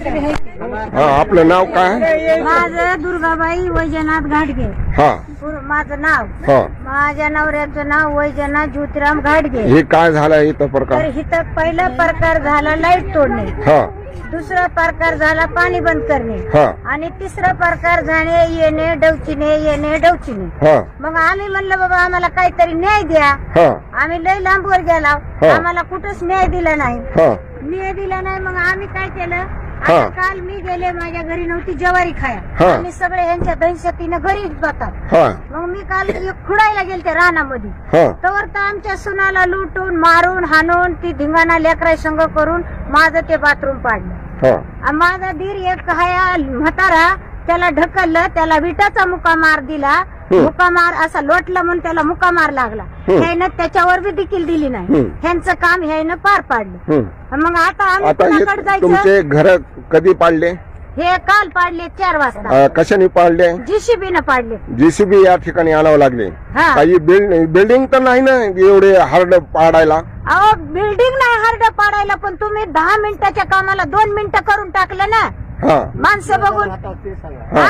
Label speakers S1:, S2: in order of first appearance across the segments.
S1: हा, आपलं नाव काय?
S2: माझं दुर्गाबाई वैजनाथ घाटगे.
S1: हा
S2: माझं नाव.
S1: हा.
S2: माझ्या नवऱ्याचं नाव वैजनाथ ज्योतिराम घाटगे.
S1: हे काय झालं इथं प्रकार?
S2: तर इथं पहिला प्रकार झाला लाईट तोडणे,
S1: हा
S2: दुसरा प्रकार झाला पाणी बंद करणे,
S1: हा
S2: आणि तिसरा प्रकार झाले येणे डवचिने.
S1: हा
S2: मग आम्ही म्हणलं बाबा आम्हाला काहीतरी न्याय द्या.
S1: हा
S2: आम्ही लय लांबवर गेलो,
S1: हा.
S2: आम्हाला कुठंच न्याय दिला नाही.
S1: हा
S2: न्याय दिला नाही. मग आम्ही काय केलं,
S1: हा.
S2: आता काल मी गेले, माझ्या घरी नव्हती ज्वारी खाया.
S1: हा.
S2: आम्ही सगळे ह्यांच्या दहशतीनं घरीच जातात.
S1: हा
S2: मग मी काल खुडायला गेलते रानामध्ये.
S1: हा
S2: तवर तर आमच्या सुनाला लुटून मारून हाणून ती धिंगाणा लेकरा संग करून माझं ते बाथरूम पाडलं.
S1: हा
S2: माझा दीर एक हाया म्हातारा, त्याला ढकललं, त्याला विटाचा मुकामार दिला. मुकामार असा लोटला म्हणून त्याला मुकामार लागला. ह्यानं त्याच्यावर बी देखील दिली नाही. ह्यांचं काम ह्यानं पार पाडलं. मग आता आम्ही
S1: आता
S2: कुणाकडे जायचं?
S1: तुमचे घर कधी पाडले?
S2: हे काल पाडले 4 वाजता.
S1: कशाने पाडले?
S2: JCB पाडले.
S1: JCB या ठिकाणी आणावं लागले.
S2: हा.
S1: काही बिल्डिंग तर नाही ना एवढे हार्ड पाडायला?
S2: अहो बिल्डिंग नाही हार्ड पाडायला, पण तुम्ही 10 मिनिटाच्या कामाला 2 मिनिटं करून टाकलं ना.
S1: हा
S2: माणसं बघून.
S1: हा.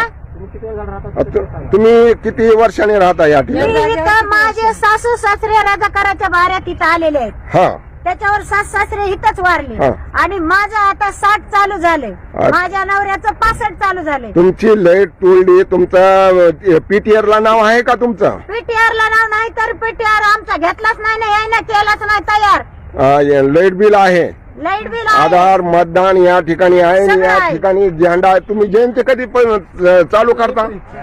S1: तुम्ही किती वर्षांनी राहता या ठिकाणी?
S2: मी इथं माझे सासू सासरे राजाकाराच्या भाऱ्यात इथं आलेले आहेत.
S1: हा
S2: त्याच्यावर सासरे इथंच वारले.
S1: हा.
S2: आणि माझं आता 60 चालू झाले. माझ्या नवऱ्याचं 65 चालू झाले.
S1: तुमची लाईट तोडली. तुमचं PTR ला नाव आहे का तुमचं?
S2: PTR ला नाव नाही, तर PTR आमचा घेतलाच नाही ना, यायना केलाच नाही तयार.
S1: लाईट बिल आहे,
S2: लाईट बिल
S1: आधार, मतदान या ठिकाणी आहे.
S2: सगळं
S1: या
S2: आहे.
S1: ठिकाणी झेंडा आहे. तुम्ही जयंती कधी पण चालू करता?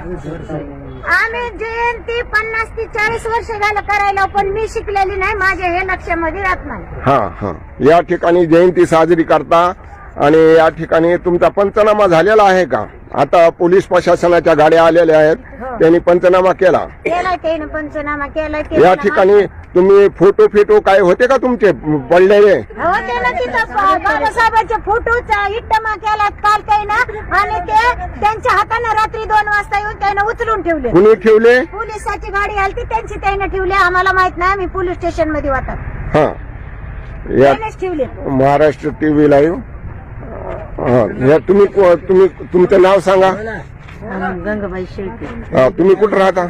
S2: आम्ही जयंती 50 ते 40 वर्ष झालं करायला, पण मी शिकलेली नाही, माझ्या हे लक्षामध्ये राहत नाही.
S1: हा हा. या ठिकाणी जयंती साजरी करता आणि या ठिकाणी तुमचा पंचनामा झालेला आहे का? आता पोलीस प्रशासनाच्या गाड्या आलेल्या आहेत, त्यांनी पंचनामा केला.
S2: केलाय त्याने पंचनामा केलाय.
S1: या ठिकाणी तुम्ही फोटो काय होते का तुमचे पडलेले?
S2: होते ना तिथं बाबासाहेबांचे फोटोचा इट्टमा केला काल त्यानं, आणि ते त्यांच्या हाताने रात्री 2 वाजता येऊन त्यानं उचलून ठेवले.
S1: कुणी ठेवले?
S2: पोलिसाची गाडी आली त्यांची त्याने ठेवले. आम्हाला माहित नाही, आम्ही पोलीस स्टेशन मध्ये होतात.
S1: हा. या
S2: त्यानेच ठेवले.
S1: Maharashtra TV live. हा. तुम्ही तुमचं नाव सांगा.
S2: गंगाबाई शेळके.
S1: तुम्ही कुठं राहता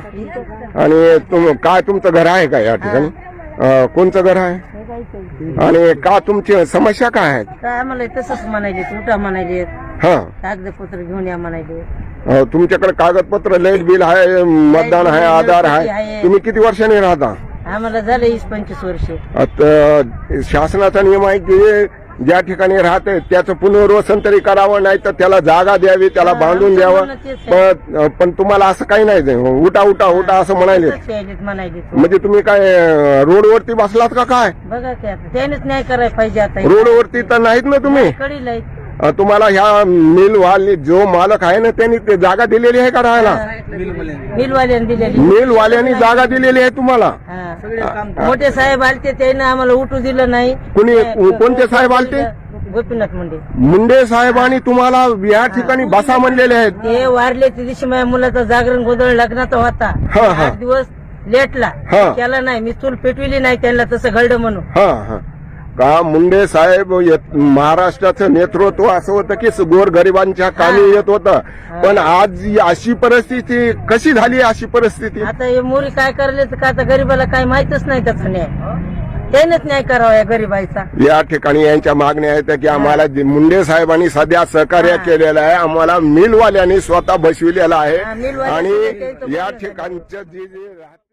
S1: आणि काय तुमचं घर आहे का या ठिकाणी? कोणचं घर आहे आणि का तुमची समस्या काय आहेत?
S2: आम्हाला तसंच म्हणायले, उठा म्हणायले,
S1: हा.
S2: कागदपत्र घेऊन या म्हणायले.
S1: तुमच्याकडे कागदपत्र, लाईट बिल आहे, मतदान आहे, आधार आहे. तुम्ही किती वर्षांनी राहता?
S2: आम्हाला झालं 20-25 वर्ष.
S1: आता शासनाचा नियम आहे की ज्या ठिकाणी राहते त्याचं पुनर्वसन तरी करावं, नाही तर त्याला जागा द्यावी, त्याला बांधून द्यावं. पण तुम्हाला असं काही नाही, उठा उठा उठा असं म्हणाले. म्हणजे तुम्ही काय रोडवरती बसलात का काय?
S2: बघा की आता त्यानेच न्याय करायला पाहिजे. आता
S1: रोडवरती तर नाहीत ना तुम्ही? तुम्हाला ह्या मिलवाले जो मालक आहे ना त्यांनी ते जागा दिलेली आहे का राहायला?
S2: मिलवाल्यांनी दिलेली.
S1: मिलवाल्यांनी जागा दिलेली आहे तुम्हाला?
S2: मोठे साहेब आलते, त्याने आम्हाला उठू दिलं नाही.
S1: कोणते साहेब आलते?
S2: गोपीनाथ
S1: मुंडे साहेबांनी तुम्हाला या ठिकाणी बसा म्हणलेले आहेत.
S2: ते वारले त्या दिवशी माझ्या मुलाचा जागरण गोंधळ लग्नाचा होता. 8 दिवस लेटला, केला नाही. मी चूल पेटविली नाही त्यांना, तसं घडलं म्हणून.
S1: हा का मुंडे साहेब महाराष्ट्राचं नेतृत्व असं होतं की गोरगरिबांच्या कामी येत होतं. पण आज अशी परिस्थिती कशी झाली? अशी परिस्थिती
S2: आता हे मोरी काय करले तर का आता गरीबाला काय माहितच नाही त्याचा न्याय. त्यानेच न्याय करावा या गरीबाईचा. या
S1: ठिकाणी यांच्या मागण्या आहेत की आम्हाला मुंडे साहेबांनी सध्या सहकार्य केलेलं आहे, आम्हाला मिलवाल्यांनी स्वतः बसविलेलं आहे. आणि या ठिकाणचं जे